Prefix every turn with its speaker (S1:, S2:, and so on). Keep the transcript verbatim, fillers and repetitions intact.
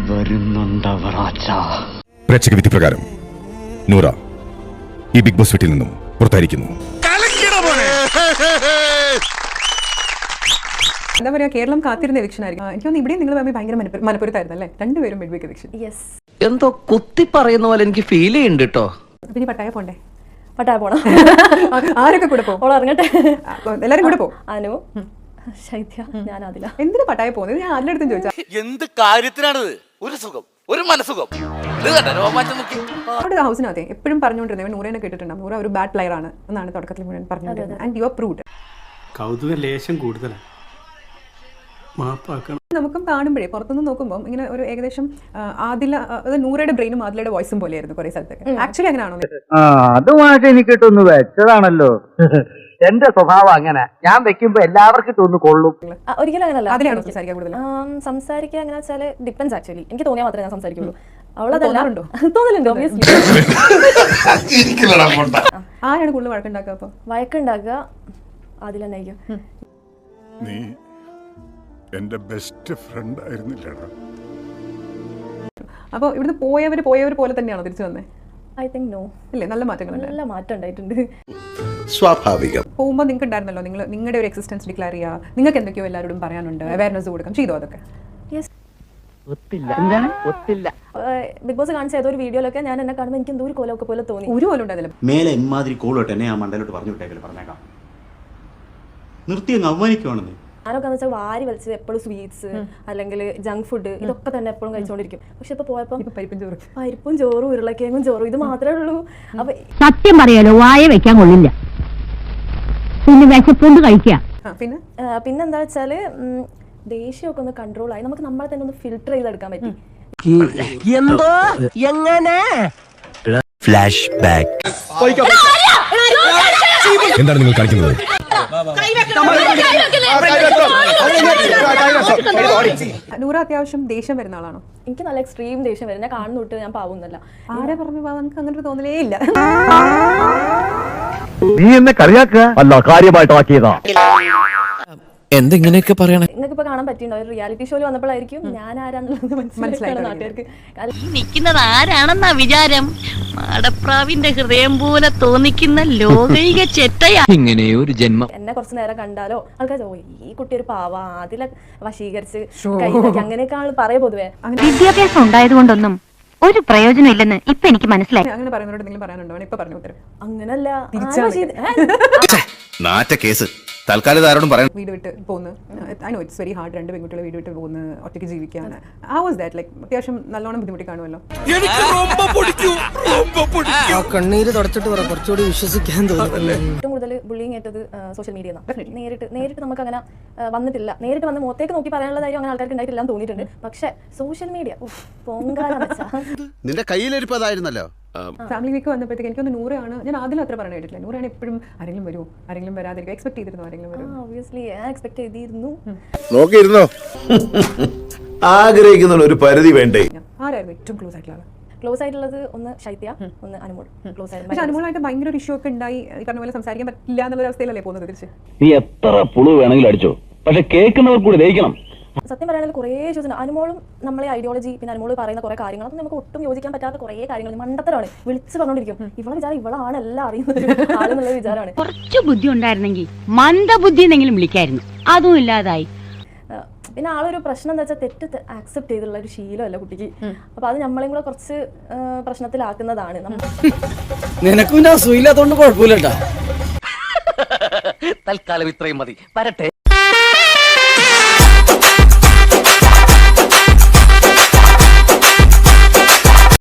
S1: പ്രേക്ഷക വിധി പ്രകാരം നൂറ ഈ ബിഗ് ബോസ് വീട്ടിൽ നിന്നും പുറത്തായിരിക്കുന്നു.
S2: എന്താ പറയാ, കേരളം കാത്തിരുന്ന എവിക്ഷൻ ആയിരിക്കും. എനിക്ക് തോന്നുന്നു ഇവിടെയും നിങ്ങൾ തമ്മിൽ ഭയങ്കര മനപ്പുറത്തായിരുന്നു അല്ലേ? രണ്ടുപേരും മിഡ് വീക്ക് എവിക്ഷൻ.
S3: എന്തോ കുത്തി പറയുന്ന പോലെ എനിക്ക് ഫീൽ ചെയ്യുന്നുണ്ട് കേട്ടോ.
S2: പിന്നെ പട്ടായ പോണ്ടേ?
S4: പട്ടായ പോണം.
S2: ആരൊക്കെ കൂടെ പോകും?
S4: ഇറങ്ങട്ടെ,
S2: എല്ലാരും കൂടെ പോകും.
S4: അനു, ശൈത്യ, ഞാൻ അതില.
S2: എന്തിനാ പട്ടായ പോകുന്നത്? ഞാൻ അതിലെടുത്തും ചോദിച്ചാ
S5: എന്ത് കാര്യത്തിനാണത്? ഒരു സുഖം, ഒരു മനസുഖം.
S2: അവിടെ ഹൗസിനകത്തെ എപ്പോഴും പറഞ്ഞുകൊണ്ടിരുന്നത് നൂറേനെ കേട്ടിട്ടുണ്ടാവും, നൂറ ഒരു ബാഡ് പ്ലെയർ ആണ് എന്നാണ് തുടക്കത്തിൽ മുഴുവൻ പറഞ്ഞുകൊണ്ടിരുന്നത്. And you are proved.
S6: കൗതുക ലേശം കൂടുതലാണ്. മാപ്പാക്കണം.
S2: നമുക്കും കാണുമ്പോഴേ പുറത്തുനിന്ന് നോക്കുമ്പോൾ ഇങ്ങനെ ഒരു ഏകദേശം ആദില, നൂറയുടെ ബ്രെയിനും ആദിലയുടെ വോയിസും പോലെയായിരുന്നു കുറെ സ്ഥലത്തൊക്കെ. ആക്ച്വലി അങ്ങനെയാണോ?
S7: അതുമായിട്ട് എനിക്കിട്ടൊന്ന് വെച്ചതാണല്ലോ. എന്റെ സ്വഭാവം അങ്ങനെ, ഞാൻ വെക്കുമ്പോ എല്ലാവർക്കും ഇട്ടൊന്ന് കൊള്ളും.
S4: ഒരിക്കലും അങ്ങനല്ല.
S2: അതിലാണോ സംസാരിക്കാൻ കൂടുതൽ?
S4: സംസാരിക്കുക എങ്ങനെ വെച്ചാൽ ഡിപ്പെൻസ്. ആക്ച്വലി എനിക്ക് തോന്നിയാൽ മാത്രമേ ഞാൻ സംസാരിക്കുള്ളൂ. അവളതല്ലാറുണ്ടോ? തോന്നലുണ്ടോ?
S2: ആരാണ് കൂടുതൽ വഴക്കുണ്ടാക്കുക? അപ്പൊ
S4: വഴക്കുണ്ടാക്കുക അതിൽ തന്നെ ആയിരിക്കും.
S1: നീ എന്റെ ബെസ്റ്റ് ഫ്രണ്ട് ആയിരുന്നില്ലടാ.
S2: അപ്പൊ ഇവിടുന്ന് പോയവര് പോയവർ പോലെ തന്നെയാണോ തിരിച്ചു വന്നേ?
S4: I think no.
S2: ഇല്ലേ, നല്ല മാറ്റങ്ങളുണ്ട്.
S4: നല്ല മാറ്റം ഉണ്ടായിട്ടുണ്ട്.
S1: സ്വാഭാവികം.
S2: പോകുമ്പോൾ നിങ്ങൾക്ക് ഉണ്ടായിരുന്നല്ലോ, നിങ്ങൾ നിങ്ങളുടെ ഒരു എക്സിസ്റ്റൻസ് ഡിക്ലെയർ ചെയ്യുക, നിങ്ങൾക്ക് എന്തൊക്കെയോ എല്ലാവരോടും പറയാനുണ്ട്, അവയർനെസ് കൊടുക്കാം, ചെയ്തോ അതൊക്കെ?
S4: ബിഗ് ബോസ് കാണിച്ച ഏതോ ഒരു വീഡിയോയിലൊക്കെ ഞാൻ എന്നെ കാണുമ്പോൾ എനിക്ക് എന്തോ ഒരു കോലമൊക്കെ പോലെ തോന്നി.
S2: ഒരു കോലം ഉണ്ടായിരുന്നില്ല.
S8: മേലെ ഇമാതിരി കോളോട്ട് എന്നെ ആ മണ്ടയിലോട്ട് പറഞ്ഞു വിട്ടേക്കല് പറഞ്ഞേക്കാം. നിർത്തി അങ്ങ് അവമാനിക്കുവാണെന്ന്.
S4: ഞാനൊക്കെ വെച്ചാൽ വാരി വലിച്ച് എപ്പോഴും സ്വീറ്റ്സ് അല്ലെങ്കിൽ ജങ്ക് ഫുഡ് ഇതൊക്കെ തന്നെ എപ്പോഴും കഴിച്ചുകൊണ്ടിരിക്കും. പക്ഷെ ഇപ്പൊ പോയപ്പോൾ
S2: പരിപ്പും ചോറും
S4: പരിപ്പും ചോറും ഉരുളക്കിഴങ്ങും ചോറും ഇത് മാത്രമേ ഉള്ളൂ. അപ്പൊ
S9: സത്യം പറയാലോ, വായ വെക്കാൻ കൊള്ളില്ല. പിന്നെ വിശപ്പുണ്ട് കഴിക്കാം.
S2: പിന്നെ
S4: പിന്നെന്താ വെച്ചാല് ദേഷ്യമൊക്കെ ഒന്ന് കൺട്രോൾ ആയി നമുക്ക് നമ്മളെ തന്നെ ഒന്ന് ഫിൽട്ടർ ചെയ്തെടുക്കാൻ പറ്റി.
S3: എന്തോ എങ്ങനെ ഫ്ലാഷ് ബാക്ക്.
S1: എന്താണ് നിങ്ങൾ കാണിക്കുന്നത്?
S2: നൂറ അത്യാവശ്യം ദേഷ്യം വരുന്ന ആളാണോ?
S4: എനിക്ക് നല്ല എക്സ്ട്രീം ദേഷ്യം വരും. ഞാൻ കാണുന്നു തൊട്ട് ഞാൻ പാവുന്നല്ല.
S2: ആരെ പറഞ്ഞു നമുക്ക് അങ്ങനെ തോന്നലേ ഇല്ല.
S7: നീ എന്നെ കളിയാക്കുക അല്ല, കാര്യമായിട്ടാക്കിയതാ.
S3: എന്തെങ്ങനെയൊക്കെ പറയണേ?
S4: നിങ്ങൾക്ക് ഇപ്പൊ കാണാൻ പറ്റിയിട്ടുണ്ടോ? ഒരു റിയാലിറ്റി ഷോയിൽ വന്നപ്പോഴായിരിക്കും ഞാൻ ആരാന്നുള്ളത് മനസ്സിലായി നാട്ടുകാർക്ക്.
S9: നിൽക്കുന്നത് ആരാണെന്നാ വിചാരം? മാടപ്രാവിന്റെ ഹൃദയം പോലെ തോന്നിക്കുന്ന ലോകൈക ചെറ്റയാ.
S3: ഇങ്ങനെ ഒരു ജന്മം.
S4: എന്നെ കുറച്ച് നേരം കണ്ടാലോ ആൾക്കാർ ഓ ഈ കുട്ടി ഒരു പാവ, അതിലെ വശീകരിച്ച് കൈതൊക്കെ അങ്ങനെയൊക്കെ ആൾ പറയ പൊതുവേ.
S9: വിദ്യാഭ്യാസം ഉണ്ടായത് കൊണ്ടൊന്നും ഒരു പ്രയോജനം ഇല്ലെന്ന് ഇപ്പൊ എനിക്ക് മനസ്സിലായി.
S2: അങ്ങനെ പറയുന്നവരോട് എന്തെങ്കിലും പറയാനുണ്ടോ? ഇപ്പൊ പറഞ്ഞു ഉത്തരം.
S4: അങ്ങനല്ല,
S1: നാറ്റ കേസ് തൽക്കാലം ആരോടും പറയാം.
S2: വീട് വിട്ട് പോകുന്നു. I know it's very hard. രണ്ട് പെൺകുട്ടികളെ വീട് വിട്ട് പോകുന്നു, ഒറ്റയ്ക്ക് ജീവിക്കാൻ. How was that? ലൈക്ക് അത്യാവശ്യം നല്ലോണം ബുദ്ധിമുട്ടി കാണുമല്ലോ.
S3: കണ്ണീര് തുടച്ചിട്ട് കുറച്ചുകൂടി വിശ്വസിക്കാൻ തോന്നുന്നു.
S4: ഏറ്റവും കൂടുതൽ ബുള്ളിങ് ഏറ്റത് സോഷ്യൽ മീഡിയ നേരിട്ട് നേരിട്ട് നമുക്ക് അങ്ങനെ വന്നിട്ടില്ല. നേരിട്ട് വന്ന് മുഖത്തേക്ക് നോക്കി പറയാനുള്ള ധൈര്യം അങ്ങനെ ആൾക്കാർക്ക് ഉണ്ടായിട്ടില്ല എന്ന് തോന്നിയിട്ടുണ്ട്. പക്ഷെ സോഷ്യൽ മീഡിയ പൊങ്കാലം വെച്ചാ
S5: നിന്റെ കയ്യിലിരിപ്പതായിരുന്നല്ലോ.
S2: ഫാമിലി വീക്ക് വന്നപ്പോഴത്തേക്ക് എനിക്കൊന്ന് നൂറാണ്. ഞാൻ ആദ്യം അത്ര പറയാൻ കേട്ടില്ല. നൂറാണ് എപ്പോഴും ആരെങ്കിലും വരുമോ, ആരെങ്കിലും വരാതിരിക്കും. എക്സ്പെക്ട് ചെയ്തിരുന്നു ആരെങ്കിലും വരും.
S4: ഒബ്വിയസ്ലി ഞാൻ എക്സ്പെക്ട് ചെയ്തിരുന്നു.
S1: നോക്കിയിരുന്നോ? ആഗ്രഹിക്കുന്ന ഒരു പരിധി വേണ്ടേ?
S2: ആരായിരുന്നു ഏറ്റവും ക്ലോസ് ആയിട്ടുള്ള ആള്?
S4: ക്ലോസ് ആയിട്ടുള്ളത് ഒന്ന് ശൈത്യ, ഒന്ന് അനുമോൾ. ക്ലോസ് ആയിട്ട്
S2: പക്ഷെ അനുമോളായിട്ട് ഭയങ്കര ഒരു ഇഷ്യൂ ഒക്കെ ഉണ്ടായി. ഈ പറഞ്ഞ പോലെ സംസാരിക്കാൻ പറ്റില്ല എന്നുള്ള അവസ്ഥയിലല്ലേ പോകുന്നത് തിരിച്ച്?
S7: നീ എത്ര പുളു വേണമെങ്കിലും അടിച്ചോ, പക്ഷെ കേൾക്കുന്നവർ കൂടി ദഹിക്കണം.
S4: സത്യം പറയുകയാണെങ്കിൽ കുറേ ചോദിച്ചു അനുമോളും നമ്മളെ ഐഡിയോളജി പിന്നെ അനുമോൾ പറയുന്ന കുറേ കാര്യങ്ങൾ അതൊന്നും നമുക്ക് ഒട്ടും യോജിക്കാൻ പറ്റാത്ത കുറേ കാര്യങ്ങൾ മണ്ടത്തരമാണ്. വിളിച്ച് പറഞ്ഞോണ്ടിരിക്കും. ഇവളെ വിചാരം ഇവളാണ് എല്ലാം അറിയുന്നത് ആളെന്നുള്ള വിചാരമാണ്.
S9: കുറച്ചു ബുദ്ധി ഉണ്ടായിരുന്നെങ്കിൽ മന്ദബുദ്ധി എന്നെങ്കിലും വിളിക്കായിരുന്നു. അതും ഇല്ലാതായി.
S4: പിന്നെ ആളൊരു പ്രശ്നം എന്താ വെച്ചാൽ തെറ്റ് ആക്സെപ്റ്റ് ചെയ്തുള്ള ഒരു ശീലമല്ല കുട്ടിക്ക്. അപ്പൊ അത് നമ്മളെയും കൂടെ കുറച്ച് പ്രശ്നത്തിലാക്കുന്നതാണ്.
S3: നിനക്കും ഞാൻ സുഖമില്ലാത്തോണ്ട് കുഴപ്പമില്ല. തൽക്കാലം ഇത്രയും മതി. വരട്ടെ.